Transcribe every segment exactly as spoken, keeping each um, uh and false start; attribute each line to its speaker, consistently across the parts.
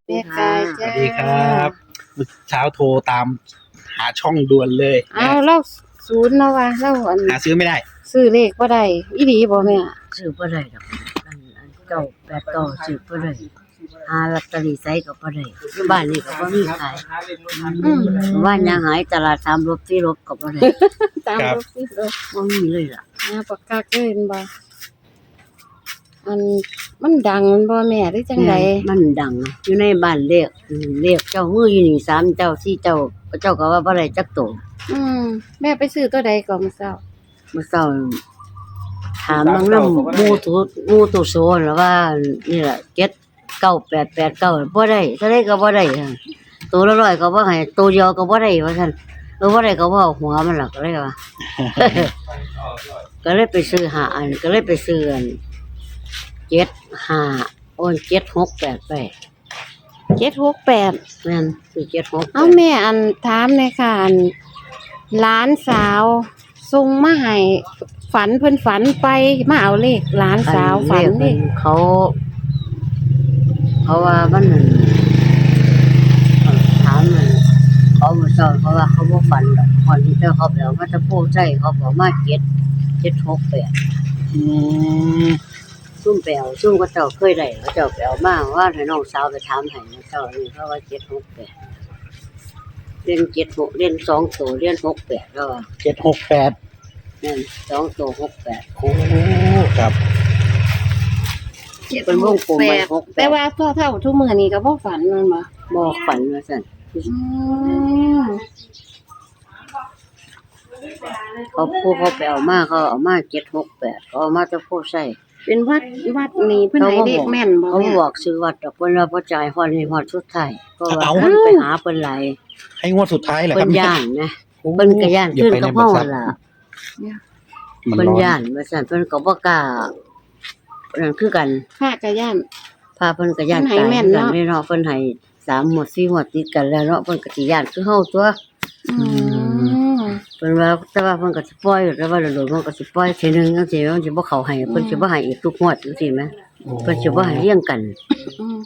Speaker 1: แม่กายจ้า
Speaker 2: สวัสดีครับเช้าโทรตามหาช่องด่วนเลย
Speaker 1: เอาเล่าศูนย์แล้วว่าเล่าอัน
Speaker 2: หาซื้อไม่ได้
Speaker 1: ซื้อเลขบ่ได้อีหลีบ่แม่
Speaker 3: ซื้อบ่ได้ดอกอันอันเก่าแปดเก่าซื้อบ่ได้หาลอตเตอรี่ใส่ก็บ่ได้อยู่บ้านนี่ก็บ่มีขาย
Speaker 1: อืม
Speaker 3: ว่านยังหายตลาดสามรบที่รบก็บ่ได้
Speaker 1: ตาม
Speaker 2: ครับ
Speaker 1: รถสิรถ
Speaker 3: บ่มีเลยล่ะ
Speaker 1: นะปากกาเกินบ่อันมันดังมันบ่แม่หรือจังได
Speaker 3: มันดังนะอยู่ในบ้านเรียกอืมเรียกเจ้ามืออยู่นี่สามเจ้าสี่เจ้าเจ้าก็ว่าบ่ได้จักโต
Speaker 1: อืมแม่ไปซื้อตัวใดก่อนมื้อเช้า
Speaker 3: มื้อเช้าถามบางนำหมู่ตุหมู่ตุโซนแล้วว่านี่ล่ะเจ็ดเก้าแปดแปดเก้าบ่ได้เท่าใดก็บ่ได้ค่ะตัวละร้อยก็บ่ให้ตัวเดียวก็บ่ได้ว่าซั่นเออบ่ได้ก็บ่เอาหัวมันหรอกก็เลยว่า ก็เลยไปซื้อหาอันก็เลยไปซื้ออันเจ็ดห้าโอนเจ็ดหกแปดไป
Speaker 1: เจ็ดหกแปด
Speaker 3: แม่นซื้อเจ็ดหก
Speaker 1: เอาแม่อันถามหน่อยค่ะอันหลานสาวส่งมาให้ฝันเพิ่นฝันไปมาเอาเลขหลานสาวฝัน
Speaker 3: เล
Speaker 1: นี่
Speaker 3: ขเขา เขาว่ามันนั่นถามมันเขามาสอนเขาว่าเขาบ่ฝันดอกคนที่เจ้าเขาไปเอามาจะพูดใจเขาบอกมาเจ็ดเจ็ดหกแปด
Speaker 2: อืม
Speaker 3: ซุ่มไปเอาซุ่มก็เจ้าเคยได้เขาเจ้าไปเอามาว่าให้น้องสาวไปถามให้เจ้านี่เขาว่าเจ็ดหกแปดเรียนเจ็ดหกเรียนสองตัวเรียนหกแปดแล้วว่า
Speaker 2: เจ็ดหกแปด
Speaker 3: นั่นสองตัวหกแปด
Speaker 2: โอ้ครับ
Speaker 3: เป็นวงกลมไปหกแป
Speaker 1: แต่
Speaker 3: ด
Speaker 1: ว่าเท่าเท่าทุกมื้อนี้ก็บ่ฝันแมันบ่
Speaker 3: บอกฝันว่าสั่น
Speaker 1: อืม
Speaker 3: เขาพูดเขาไปเอามาเขาเอามาเจ็ดหกแปดเขาเอามาจะพูดใส่
Speaker 1: เป็นวัดวัดนี้เพิ่นให้เลขแม่นบ่
Speaker 3: เขา
Speaker 1: แม่
Speaker 3: บอกซื้อวัดดอกเพิ่นว่าบ่จ่ายฮอดนี่ฮอดสุดท้ายเพราะว่า
Speaker 2: เอา
Speaker 3: เพิ่นไปหาเพิ่นหลาย
Speaker 2: ให้งวดสุดท้ายเหรอค
Speaker 3: เพิ่
Speaker 2: รับ
Speaker 3: นย่านนะ
Speaker 2: โอ้
Speaker 3: เพิ่นก็ย่าน
Speaker 2: อย่
Speaker 3: ขึ้น
Speaker 2: ไป
Speaker 3: กับ
Speaker 2: ใน
Speaker 3: เฮา
Speaker 2: บริษัท
Speaker 3: ล่ะ
Speaker 2: มัน
Speaker 3: เพิ่น
Speaker 2: ร้อน
Speaker 3: ย่านว่าซั่นเพิ่นก็บ่กล้านั่นคือกัน
Speaker 1: พระกะย่าน
Speaker 3: พาเพิ่นก็ย่าน
Speaker 1: เพิ่นให้
Speaker 3: ตาย
Speaker 1: แม่น
Speaker 3: คือกัน
Speaker 1: เนาะ
Speaker 3: เด้เนาะเพิ่นให้สามหมวดสี่หมวดติดกันแล้วเนาะเพิ่นก็สิย่านคือเฮาตัว
Speaker 1: อืม
Speaker 3: เพิ่นว่าแต่ว่าเพิ่นก็สิปล่อยแต่ว่าโดนๆเพิ่นก็สิปล่อยทีนึงจังซี่มันสิบ่เข้าให้เพิ่นสิบ่ให้อีกทุกงวดจังซี่แหมเพิ่นสิบ่ให้เรียงกัน
Speaker 1: อืม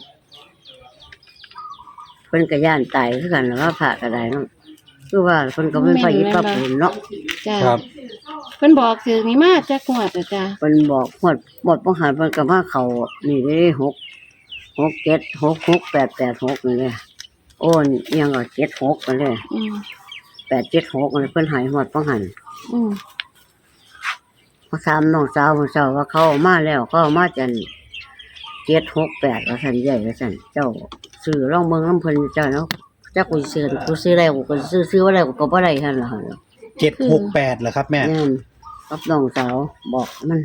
Speaker 3: เพิ่นก็ย่านตายคือกันแล้วว่าพระก็ได้เนาะคือว่าเพิ่นก็เป็นพระอิฐพระปูนเนาะ
Speaker 1: จ้ะ
Speaker 2: ครับ
Speaker 1: เพิ่นบอกถึงนี่มาจักงวดอะจ้ะ
Speaker 3: เพิ่นบอกหมดหมดบ่หันเพิ่นก็มาเข้านี่เด้หก หกเจ็ด หก หก แปด แปด หกนี่แหละโอ้นอิหยังก็เจ็ด หกนั่นแหละ
Speaker 1: อืม
Speaker 3: แปด เจ็ด หกนั่นเพิ่นให้หมดบ่หัน
Speaker 1: อืม
Speaker 3: มาถามน้องสาวของเจ้าว่าเขาเอามาแล้วเขาเอามาจันเจ็ด หก แปดว่าซั่นใหญ่ว่าซั่นเจ้าซื้อลองเบิ่งนำเพิ่นเจ้าเนาะจักกูสิซื้อกูซื้อได้กูก็ซื้อซื้อบ่ได้กูก็บ่ได้หั่นล่ะหั่น
Speaker 2: เจ็ดหกแปดเหรอครับแม่
Speaker 3: แม่นกับน้องสาวบอกมัน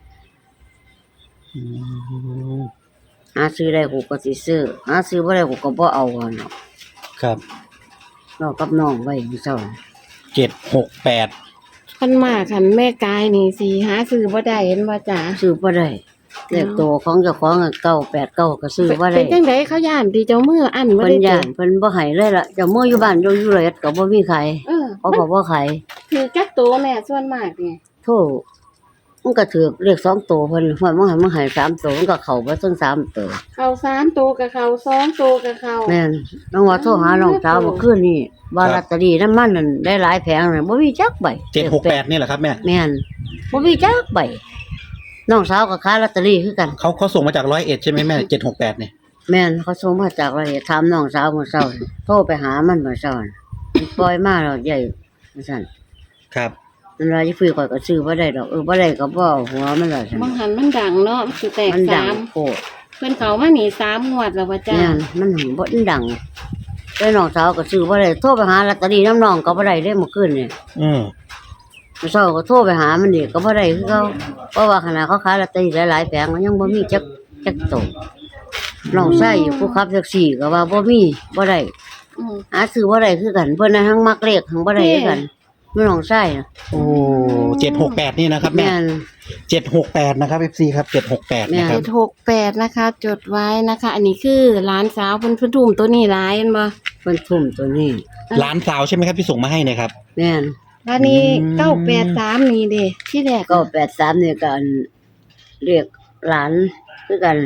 Speaker 2: อืม
Speaker 3: หาซื้อได้กูก็สิซื้อหาซื้อบ่ได้กูก็บ่เอาหั่นเนาะ
Speaker 2: ครับ
Speaker 3: เนาะกับน้องไว้มื้อเช้า
Speaker 2: เจ็ดหกแปด
Speaker 1: เพิ่นมาคันแม่กายนี่สิหาซื้อบ่ได้เห็นบ่จ้ะ
Speaker 3: ซื้อบ่ได้เลขตัวของเจ้าของอะเก้าแปดเก้าก็ซื้อบ่
Speaker 1: เป็
Speaker 3: ได้
Speaker 1: นจังไดเขาย่านที่เจ้ามืออันบ่
Speaker 3: เพิ่น
Speaker 1: ได้
Speaker 3: ย่า
Speaker 1: จ้ะ
Speaker 3: นเพิ่นบ่ให้เลยล่ะเจ้ามืออยู่บ้านอยู่อยู่เลยก็บ่มีใคร
Speaker 1: เออ
Speaker 3: เขาก็บ่ขาย
Speaker 1: ถือจักตัวแม่ส่วนมากนี่
Speaker 3: โธ่มันก็ถือเลขสองตัวเพิ่นฮอดมันให้มันให้สามตัวมันก็เข้าบ่ถึงสามตัว
Speaker 1: เข้าสามตัวกับเข้าสองตัวกับเข้า
Speaker 3: แม่นน้องว่าโทรหาน้องสาวเมื่อคืนนี้ว่าลอตเตอรี่นั้นมันนั่นได้หลายแผงน่ะบ่มีจักใบ
Speaker 2: เจ็ดหกแปดนี่แหละครับแม่
Speaker 3: แม่นบ่มีจักใบน้องสาวก็ขายลอตเตอรี่คือกัน
Speaker 2: เขาเขาส่งมาจากร้อยเอ็ดใช่ไหมแม่เจ็ดหกแปดเนี่ย
Speaker 3: แม่นเขาส่งมาจากว่าถามน้องสาวมื้อเช้านี่โทรไปหามันมื้อเช้านี่มันปล่อยมาแล้วใหญ่ว่าซั่น
Speaker 2: ครับ
Speaker 3: มันว่าสิซื้อข่อยก็ซื้อบ่ได้ดอกเออบ่ได้ก็บ่เอาหัวมันล่ะซั่น
Speaker 1: บางหันมันดังเนาะมันสิแตก
Speaker 3: มันดั
Speaker 1: สาง ม
Speaker 3: โพด
Speaker 1: เพิ่นเข้ามานี่สามงวดแล้วว่าจ้ะ
Speaker 3: แม่นมันหึงบ่ดังแต่น้องสาวก็ซื้อบ่ได้โทรไปหาลอตเตอรี่น้ำน้องก็บ่ได้เด้เมื่อคืนนี่
Speaker 2: อืม
Speaker 3: มื้อเช้าก็โทรไปหามันอีกก็บ่ได้คือเขาเพราะว่าขณะเขาขายลอตเตอรี่หลายๆแผงมันยังบ่มีจักจักโตน้องชายอยู่ผู้ขับแท็กซี่ก็ว่าบ่มีบ่ได้
Speaker 1: อืม
Speaker 3: หาซื้อบ่ได้คือกันเพิ่นน่ะทั้งมักเลขทั้งบ่ได้คือกันมันน้องชายน่ะ
Speaker 2: โอ้เจ็ดหกแปดนี่นะครับแม่
Speaker 3: แม่น
Speaker 2: เจ็ดหกแปดนะครับเอฟซีครับเจ็ดหกแปด
Speaker 3: แม่
Speaker 2: นะครับ
Speaker 1: เจ็ดหกแปดนะคะ จดไว้นะคะ อันนี้คือหลานสาวเพิ่นเพิ่นทุ่มตัวนี้หลายเห็นบ่
Speaker 3: เพิ่นทุ่มตัวนี้
Speaker 2: ร้านสาวใช่ไหมครับที่ส่งมาให้เนะครับ
Speaker 3: แม่น
Speaker 1: อันนี้
Speaker 2: อืม
Speaker 1: เก้าแปดสามนี่เด้ที่แรก
Speaker 3: ก็แปดสามนี่ก็อันเรียกหลานคือกันนั่นล่ะ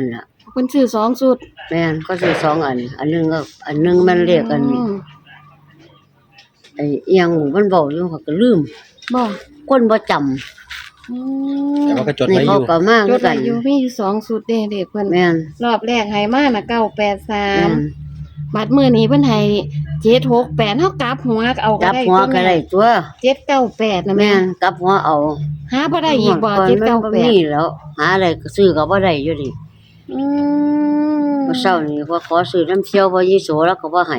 Speaker 1: เพิ่นซื้อสองชุด
Speaker 3: แม่นก็ซื้อสองอัน อันหนึงก็อันหนึงมันเรียกอัน
Speaker 1: อืม
Speaker 3: ไอ้เอียงหมู่มันเว้าอยู่เขาก็ลืม
Speaker 1: บ่
Speaker 3: คนบ่จำ
Speaker 1: อืม
Speaker 2: แต่ว่าก็จด
Speaker 3: นี่
Speaker 2: ไว้อ
Speaker 3: เขา
Speaker 2: ยู่
Speaker 3: ก็มา
Speaker 1: จ
Speaker 3: คือ
Speaker 1: ดไว้
Speaker 3: กัน
Speaker 1: อยู่มีอยู่สองชุดเด้เด็กเพิ่น
Speaker 3: แม่น
Speaker 1: รอบแรกให้มาน่ะเก้าแปดสา
Speaker 3: แม่
Speaker 1: ม
Speaker 3: น
Speaker 1: บัดมื้อนี้เพิ่นให้เจ็ดหกแปดเฮากลับหัวเอาก็
Speaker 3: จับ
Speaker 1: ได้
Speaker 3: หัวก็ได้ตัว
Speaker 1: เจ็ดเก้าแปดนะ
Speaker 3: แม่
Speaker 1: แม่
Speaker 3: นกลับหัวเอา
Speaker 1: หาบ่ได้อีกบ่
Speaker 3: ก่อน
Speaker 1: เจ็ด
Speaker 3: มัน
Speaker 1: เก้า
Speaker 3: บ่
Speaker 1: แป
Speaker 3: มี
Speaker 1: ด
Speaker 3: แล้ว หาอะไรก็ซื้อก็บ่ได้อยู่ดิ
Speaker 1: อืม
Speaker 3: เมื่อเช้านี้พอขอซื้อน้ำเที่ยวบ่ยี่โสแล้วก็บ่ให้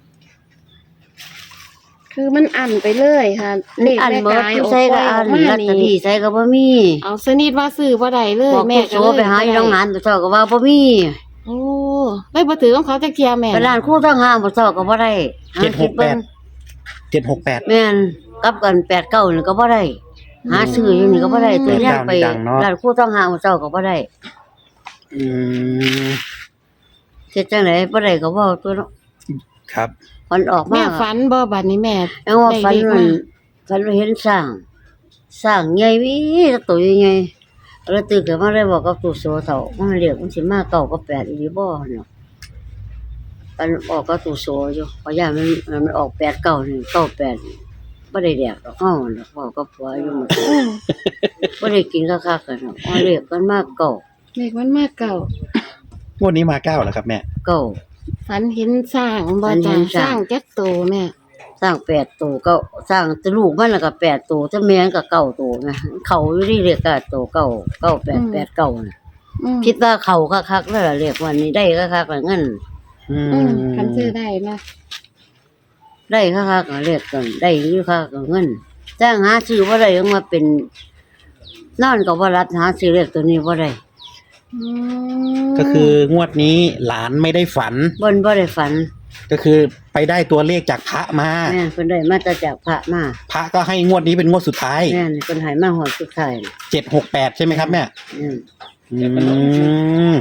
Speaker 1: คือมันอันไปเลยค่ะเลข
Speaker 3: อัน
Speaker 1: แม่
Speaker 3: เบิด
Speaker 1: กาย
Speaker 3: ผู้
Speaker 1: โอ้
Speaker 3: ใส่ก็
Speaker 1: ปล่ย
Speaker 3: อัน
Speaker 1: กมา
Speaker 3: ลอตเตอรี่
Speaker 1: นี่
Speaker 3: ใส่ก็บ่มี
Speaker 1: เอาสนิทว่าซื้อบ่ได้เลย
Speaker 3: บอก
Speaker 1: แม่
Speaker 3: ผู้
Speaker 1: ก็
Speaker 3: โส
Speaker 1: เลย
Speaker 3: ไปหาอยู่โรงงานผู้เฒ่าก็ว่าบ่มี
Speaker 1: โอ้ได้บ่ถือของเขาจักเที่ยแม่
Speaker 3: ไปร้านครูทั้งห้างผู้เฒ่าก็บ่ได้
Speaker 2: เจ็ดหกแปด เจ็ดหกแปด
Speaker 3: แม่นกลับกันแปดเก้านี่ก็บ่ได้ หาซื้ออยู่นี่ก็บ่ได้ตัวอย่างไป
Speaker 2: ดังเนาะ
Speaker 3: ร้านครูทั้งห้างผู้เฒ่าก็บ่ได้
Speaker 2: อืม
Speaker 3: เฮ็ดจังได๋บ่ได้ก็เว้าตัวเนาะ
Speaker 2: ครับ
Speaker 3: มันออกมา
Speaker 1: แม่ฝันบ่บัดนี้แม่
Speaker 3: แล้วว่าฝัน
Speaker 1: ได้เลข
Speaker 3: มัน
Speaker 1: มา
Speaker 3: ฝันว่าเห็นสร้างสร้างใหญ่วิตัวใหญ่ๆแล้วตื่นขึ้นมาเลยบอกกับตู่โสเฒ่ามันเรียกมันสิมาเก้ากับแปดอีหลีบ่เนาะมันออกกับตู่โสอยู่เพราะย่านมันมันออกแปดเก้านี่เก้าแปดนี่บ่ได้แดกดอกเฮาน่ะบอกกับผัวอยู่หมด
Speaker 1: อืม
Speaker 3: บ่ได้กินคักๆกันเนาะเอาเรียกกันมาเก้า
Speaker 1: เลขมันมาเก่าง
Speaker 2: วดนี้มาเก้าเหรอครับแม่
Speaker 3: เก้า
Speaker 1: ฝันเห็นสร้างบ่
Speaker 3: ฝันเห็
Speaker 1: จ้ะ
Speaker 3: น
Speaker 1: ส
Speaker 3: สร้า
Speaker 1: ร้าง งจักโตแม่
Speaker 3: สร้างแปดตัวเก้าสร้างแต่ลูกมันน่ะก็แปดตัวแต่แม่มันก็เก้าตัวนะเขาอยู่นี่เรียกก็ตัวเก้าเก้าแปดแปดเก้าน่ะ
Speaker 1: อืม
Speaker 3: คิดว่าเขาคักๆแล้วล่ะเรียกวันนี้ได้คักๆแล้วเงิน
Speaker 2: อื
Speaker 1: อืม
Speaker 2: ม
Speaker 1: คันซื้อได้นะ
Speaker 3: ได้คักๆก็เรียกกันได้อยู่คักก็เงินจ้างหาซื้อบ่ได้ยังมาเป็นนอนก็บ่รับหาซื้อเลขตัวนี้บ่ได้
Speaker 1: อืม
Speaker 2: ก็คืองวดนี้หลานไม่ได้ฝัน
Speaker 3: บ่นบ่ได้ฝัน
Speaker 2: ก็คือไปได้ตัวเลขจากพระมา
Speaker 3: แม่นเพิ่นได้มาแต่จากพระมา
Speaker 2: พระก็ให้งวดนี้เป็นงวดสุดท้าย
Speaker 3: แม่นเพิ่นให้มาฮอดสุดท้ายน่ะ
Speaker 2: เจ็ดหกแปดใช่ไหมครับแม่
Speaker 3: อืม
Speaker 2: อืม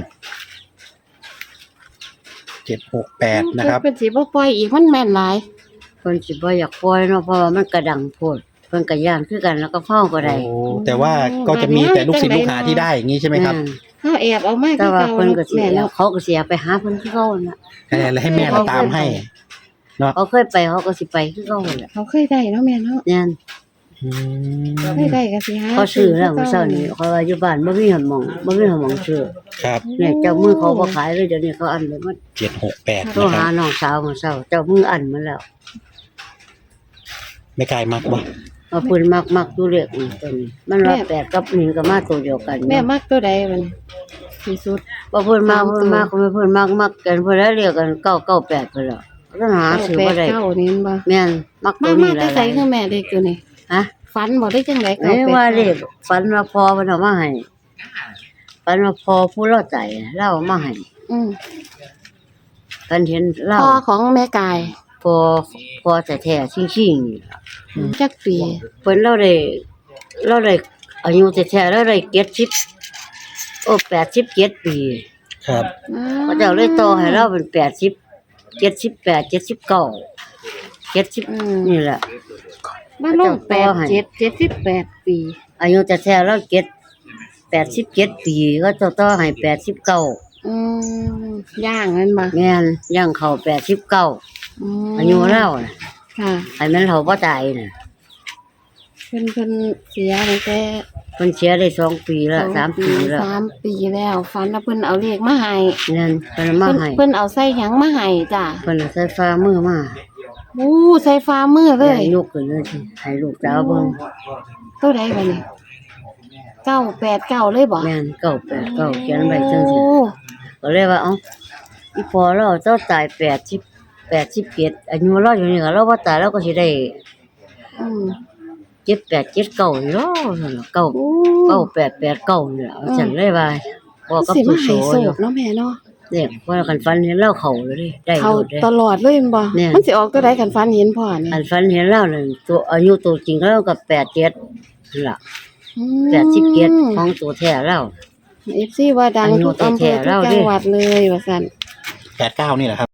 Speaker 2: เจ็ดหกแปดนะครับ
Speaker 1: เป็นสิบ่ปล่อยอีกมันแม่นหลาย
Speaker 3: เพิ่นสิบ่อยากปล่อยเนาะเพราะว่ามันกระดังโพดเพิ่นก็ย่านคือกันแล้วก็เฝ้าก็ได้
Speaker 2: โอ้แต่ว่าก็จะมีแต่ลูกศิษย์ลูกหาที่ได้อย่างนี้ใช่ไหมครับ
Speaker 3: แม่น
Speaker 1: เฮาแอบเอามา
Speaker 3: แต่
Speaker 1: คือ
Speaker 3: ว่า
Speaker 1: เก่า
Speaker 3: เพิ่นก็สิ
Speaker 1: แม่
Speaker 3: เอา
Speaker 1: เนาะ
Speaker 3: เขาก็สิเอาไปหาเพิ่นคือเก่าน่ะ
Speaker 2: แล้วให้แม่เราตามให้
Speaker 3: เขาเคยไปเขาก็สิไปคือเก่าแหละ
Speaker 1: เขาเคยได้เนาะแม่เนาะ
Speaker 3: แน่น
Speaker 2: อืม
Speaker 1: เคยได้ก็สิหา
Speaker 3: เขาซื้อแล้วมื้อเช้านี้เขาว่าอยู่บ้านบ่มีหนหม่องบ่มีหนหม่องซื้อ
Speaker 2: ครับ
Speaker 3: เนี่ยเจ้ามือเขาบ่ขายเลยเดี๋ยวนี้เขาอันเลยมัน
Speaker 2: เจ็ดหกแปด
Speaker 3: โทร
Speaker 2: นะค
Speaker 3: หา
Speaker 2: รับ
Speaker 3: น้องสาวมื้อเช้าเจ้ามืออันมาแล้ว
Speaker 2: ไม่ไกลมากบ่
Speaker 3: เอาเพิ่นมักๆอยู่เลขนี่ตัวนี้มันว่าแปดกับหนึ่งก็มาตัวเดียวกัน
Speaker 1: แม่มักตัวใดมันที่สุด
Speaker 3: บ่เพิ่นมักเพิ่นมักเพิ่นเพิ่นมักมักกันเพิ่นแล้วเรียกกันเก้าเก้าแปดเพิ่นแล้วต้องหาซื้อบ่ได้
Speaker 1: เก้านี่มันบ่
Speaker 3: แม่นมักตั
Speaker 1: มาว มา
Speaker 3: นี้ห
Speaker 1: แต่
Speaker 3: ลาย
Speaker 1: ใส่คือแม่เด็กตัวนี้
Speaker 3: ๆฮะ
Speaker 1: ฝันบ่ได้จังได๋
Speaker 3: เอ้ยว่าเลขฝันว่าพอเพิ่นเอามาให้ฝันว่าพอผู้เราใจเล่าเอามาให้
Speaker 1: อืม
Speaker 3: ฝันเห็นเล่า
Speaker 1: พ่อของแม่กาย
Speaker 3: พอพอแท้ๆชิงๆนี่ล่ะ
Speaker 1: จักปี
Speaker 3: เพิ่นเราได้เราได้อายุแท้ๆเราได้เจ็ดสิบโอ้แปดสิบเจ็ดปี
Speaker 2: ครับ
Speaker 3: พระเจ้าเลยต่อให้เราเป็นแปดสิบเจ็ดสิบแปดเจ็ดสิบเก้าเจ็ดสิบ
Speaker 1: อืม
Speaker 3: นี่แหละ
Speaker 1: มาลงแปดเจ็ดเจ็ดสิบแปดปี
Speaker 3: อายุแท้ๆเราเจ็ดแปดสิบเจ็ดปีก็ต่อต่อให้แปดสิบเก้า
Speaker 1: อืมย่างนั่นบ่
Speaker 3: แม่นย่างเข้าแปดสิบเก้า
Speaker 1: ม
Speaker 3: อายุเราน่ะ
Speaker 1: ค่ะ
Speaker 3: ให้มันเขาบ่ตายน่ะ
Speaker 1: เพิ่นเพิ่นเสียตั้งแต่
Speaker 3: เพิ่นเสียได้สองปีแล้วสามปีแล้ว
Speaker 1: สามปีแล้วฝันว่าเพิ่นเอาเลขมาให้
Speaker 3: นั่นเพิ่นเอามา
Speaker 1: เพิ่น
Speaker 3: ให้
Speaker 1: เพิ่นเอาใส่หยังมาให้จ้ะ
Speaker 3: เพิ่นเอาใส่ฟ้ามือมา
Speaker 1: อู้ใส่ฟ้ามือเลย
Speaker 3: ให้ยกขึ้นเลยสิให้ลูกสาวเบิ่ง
Speaker 1: ตัวใดบัดนี้เก้าแปดเก้าเลยบ่
Speaker 3: แม่นเก้าแปดเก้าเขียนไว้จังซี่
Speaker 1: โอ้
Speaker 3: ก็เลยว่าเอ้าอีพอเราเจ้าตายแปดสิบแปดสิบเจ็ดอายุเราอยู่นี่ก็เราบ่ตายเราก็สิได้
Speaker 1: อืม
Speaker 3: เจ็ดแปดเจ็ดเก้าอยู่เนาะนั่นล่ะเก้า
Speaker 1: โอ้
Speaker 3: เก้าแปดแปดเก้านี่ล่ะฉันเลยว่าบอกกับ
Speaker 1: สิ
Speaker 3: ผู้
Speaker 1: มา
Speaker 3: โส
Speaker 1: ให้โศ
Speaker 3: อยู่
Speaker 1: กเนาะแม่เนาะ
Speaker 3: เนี่ยว่าคันฝันเห็นเราเข้าเลยดิได้
Speaker 1: เขา
Speaker 3: หมดเลย
Speaker 1: ตลอดเลยแม่นบ่
Speaker 3: เนี่ย
Speaker 1: มันสิออกตัวใดกันฝันเห็นพ่อนี่
Speaker 3: คันฝันเห็นเรานั่นตัวอายุตัวจริงเราก็แปดเจ็ดนั่นล่ะ
Speaker 1: อืม
Speaker 3: แปดสิบเจ็ดของตัวแท้เรา
Speaker 1: เอฟซีว่าดัง
Speaker 3: อายุ
Speaker 1: ทุกอำเภอ
Speaker 3: แท้ๆ
Speaker 1: ทุก
Speaker 3: เรา
Speaker 1: จั
Speaker 3: เด้
Speaker 1: งหวัดเลยว่าซั่น
Speaker 2: แปดเก้านี่แหละครับ